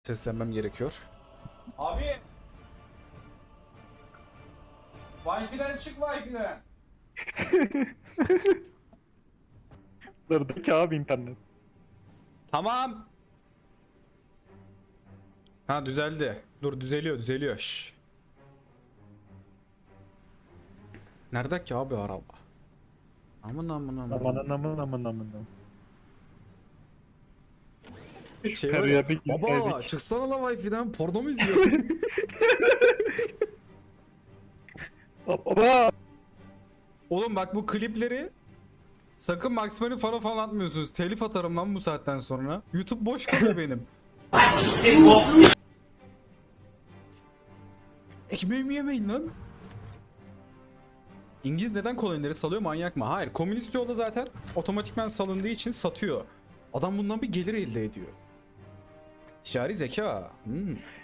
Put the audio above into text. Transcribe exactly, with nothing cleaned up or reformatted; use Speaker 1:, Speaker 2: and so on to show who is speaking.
Speaker 1: Seslenmem gerekiyor.
Speaker 2: Abi. Wi-Fi'den çık Wi-Fi'den.
Speaker 3: Dırdaki abi internet.
Speaker 1: Tamam. Ha düzeldi. Dur düzeliyor düzeliyor. Şş. Nerede ki abi araba? Aman aman aman.
Speaker 3: Aman aman aman aman.
Speaker 1: Şey var ya,
Speaker 3: Karıyorduk,
Speaker 1: baba
Speaker 3: izledik.
Speaker 1: çıksana la Wi-Fi'den porno mu izliyor?
Speaker 3: Baba.
Speaker 1: Oğlum bak bu klipleri sakın Maximal'i falan falan atmıyorsunuz. Telif atarım lan bu saatten sonra. YouTube boş kalıyor benim. Ekmeğimi yemeyin lan. İngiliz neden kolonileri salıyor, manyak mı? Hayır, komünist yolda zaten otomatikman salındığı için satıyor. Adam bundan bir gelir elde ediyor. Ticari zeka. Hmm.